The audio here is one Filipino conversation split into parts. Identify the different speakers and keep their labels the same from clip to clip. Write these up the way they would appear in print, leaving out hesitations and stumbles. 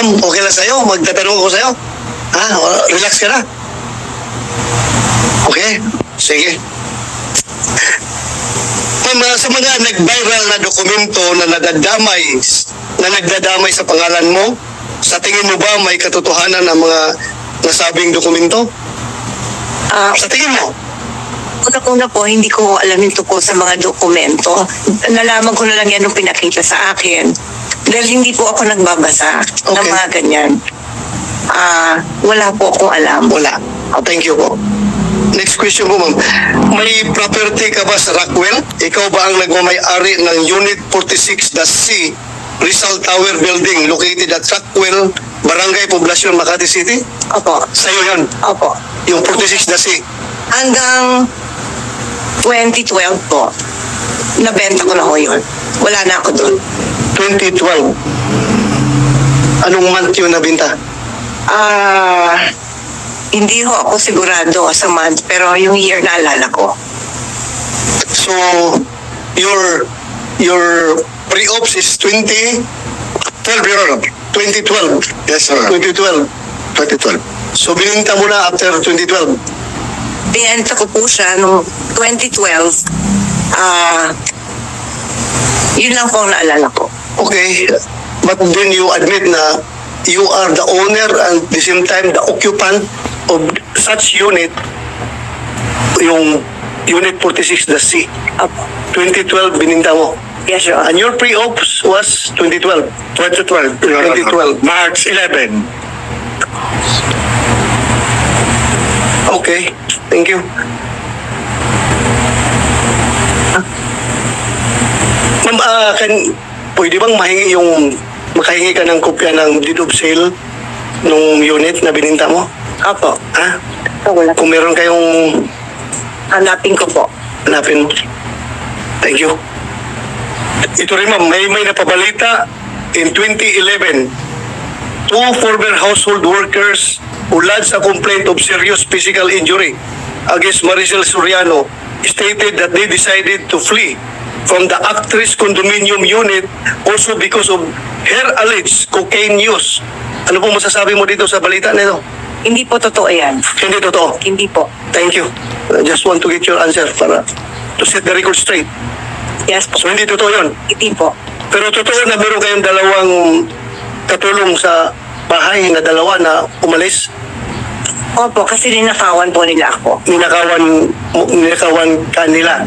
Speaker 1: Ma'am, okay lang sa'yo? Magtatanong ako sa'yo? Ha? Relax ka na? Okay? Sige. Ma'am, sa mga nag-viral na dokumento na nagdadamay sa pangalan mo, sa tingin mo ba may katotohanan ang mga nasabing dokumento? Sa tingin mo?
Speaker 2: Una po, hindi ko alam yung tungkol sa mga dokumento. Nalaman ko na lang yan nung pinakita sa akin. Dahil hindi po ako nagbabasa ng mga ganyan. Wala po akong alam.
Speaker 1: Wala. Thank you po. Next question po, ma'am. May property ka ba sa Rockwell? Ikaw ba ang nagmamay-ari ng Unit 46-C Rizal Tower Building located at Rockwell, Barangay Poblacion, Makati City?
Speaker 2: Opo.
Speaker 1: Sa'yo yun?
Speaker 2: Opo.
Speaker 1: Yung 46-C?
Speaker 2: Hanggang 2012 po, nabenta ko na ho yun. Wala na ako doon.
Speaker 1: 2012. Anong month yun nabinta?
Speaker 2: Hindi ho ako sigurado sa month, pero yung year naalala ko.
Speaker 1: So, your pre-ops is 2012, Your Honor. 2012.
Speaker 3: Yes, sir.
Speaker 1: 2012.
Speaker 3: 2012.
Speaker 1: So, bininta mo na after 2012.
Speaker 2: Binenta ko po siya noong 2012. Yun lang po ang naalala ko.
Speaker 1: Okay. But then you admit na you are the owner and at the same time the occupant of such unit, yung Unit 46-C.
Speaker 2: Opo.
Speaker 1: 2012 bininta mo.
Speaker 2: Yes, Your Honor.
Speaker 1: And your pre-ops was 2012.
Speaker 3: 2012. Your Honor.
Speaker 1: 2012.
Speaker 3: March 11.
Speaker 1: Okay. Thank you. Ma'am, pwede bang makahingi ka ng kopya ng deed of sale nung unit na bininta mo?
Speaker 2: Opo.
Speaker 1: Ha?
Speaker 2: Wala.
Speaker 1: Kung meron kayong
Speaker 2: Hanapin ko po.
Speaker 1: hanapin mo. Thank you. Ito rin ma'am, may napabalita in 2011. Two former household workers who lodged a complaint of serious physical injury against Maricel Soriano stated that they decided to flee from the actress condominium unit also because of her alleged cocaine use. Ano po masasabi mo dito sa balita nito?
Speaker 2: Hindi po totoo yan.
Speaker 1: Hindi totoo.
Speaker 2: Hindi po.
Speaker 1: Thank you. I just want to get your answer para to set the record straight.
Speaker 2: Yes po.
Speaker 1: So hindi totoo yun.
Speaker 2: Hindi po.
Speaker 1: Pero totoo na meron kayong dalawang katulong sa bahay na dalawa na umalis.
Speaker 2: Opo, kasi ninakawan po nila ako.
Speaker 1: Ninakawan ka nila.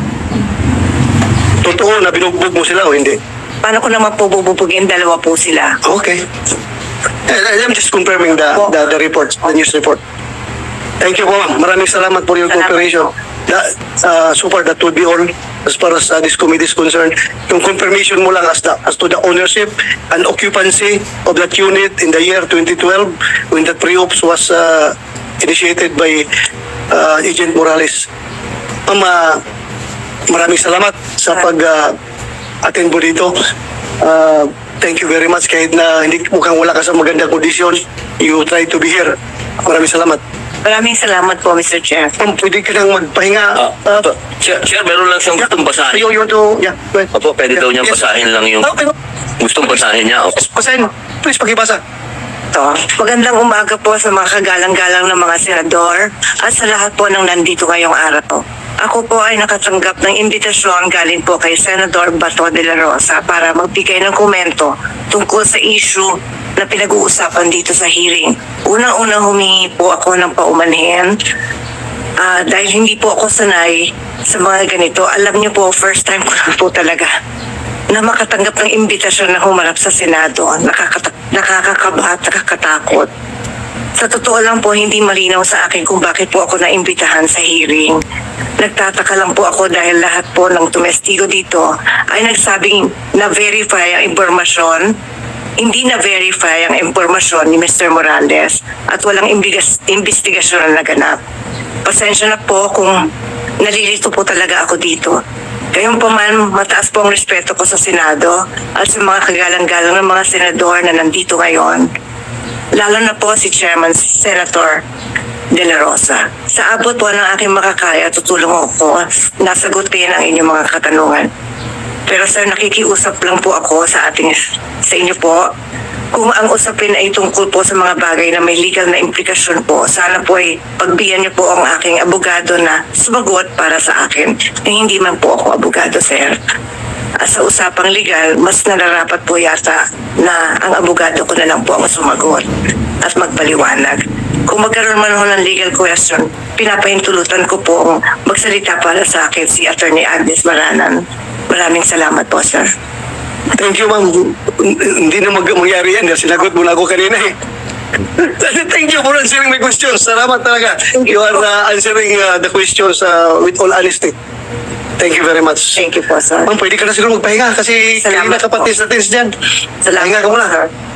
Speaker 1: Totoo na binugbog mo sila o hindi?
Speaker 2: Paano ko naman po bububugin? Dalawa po sila.
Speaker 1: Okay. I'm just confirming the report, the news report. Thank you po ma'am. Maraming salamat for your
Speaker 2: Salamat
Speaker 1: cooperation. So far, that would be all as far as this committee is concerned. Yung confirmation mo lang as to the ownership and occupancy of that unit in the year 2012 when that pre-ops was initiated by Agent Morales. Ma'am, maraming salamat sa pag-attend mo dito. Thank you very much. Kahit na hindi mukhang wala ka sa magandang kondisyon, you try to be here. Maraming salamat.
Speaker 2: Maraming salamat po, Mr. Chair.
Speaker 1: Ma'am, pwede ka nang magpahinga.
Speaker 4: Sir, meron lang siyang gustong basahin.
Speaker 1: You want to, yeah, go ahead.
Speaker 4: Opo, pwede daw niyang
Speaker 1: Yes.
Speaker 4: basahin lang yung
Speaker 1: Okay.
Speaker 4: gustong basahin niya. Opo.
Speaker 1: Basahin mo. Please, pakibasa.
Speaker 2: Ito. Magandang umaga po sa mga kagalang-galang ng mga senador at sa lahat po ng nandito ngayong araw. Ako po ay nakatanggap ng imbitasyon galing po kay Senador Bato de la Rosa para magbigay ng komento tungkol sa issue na pinag-uusapan dito sa hearing. Unang-unang humingi po ako ng paumanhin dahil hindi po ako sanay sa mga ganito. Alam niyo po, first time ko na po talaga na makatanggap ng imbitasyon na humarap sa Senado. Nakakakaba at nakakatakot. Sa totoo lang po, hindi malinaw sa akin kung bakit po ako naimbitahan sa hearing. Nagtataka lang po ako dahil lahat po ng tumestigo dito ay nagsabing na-verify ang impormasyon. Hindi na-verify ang impormasyon ni Mr. Morales at walang investigasyon na naganap. Pasensya na po kung nalilito po talaga ako dito. Gayunpaman, mataas po ang respeto ko sa Senado at sa mga kagalang-galang ng mga senador na nandito ngayon. Lalo na po si Chairman Senator De La Rosa. Sa abot po ng aking makakaya, tutulong ako na sagutin ang inyong mga katanungan. Pero sir, nakikiusap lang po ako sa inyo po Kung ang usapin ay tungkol po sa mga bagay na may legal na implikasyon po, sana po ay pagbigyan niyo po ang aking abogado na sumagot para sa akin. Hindi man po ako abogado, sir. Sa usapang legal, mas nararapat po yata na ang abogado ko na lang po ang sumagot at magpaliwanag. Kung magkaroon man ako ng legal question, pinapahintulutan ko po magsalita para sa akin si Attorney Agnes Baranan. Maraming salamat po, sir.
Speaker 1: Thank you, ma'am. Hindi na mangyari yan. Sinagot mo na ako kanina eh. Thank you for answering my questions. Salamat talaga. You are answering the questions with all honesty. Thank you very much.
Speaker 2: Thank you po, sir.
Speaker 1: Ma'am, pwede ka na siguro magpahinga kasi
Speaker 2: Salamat
Speaker 1: kanina
Speaker 2: po.
Speaker 1: kapatis natin dyan.
Speaker 2: Salamat
Speaker 1: Pahinga ka
Speaker 2: po,
Speaker 1: muna.
Speaker 2: sir.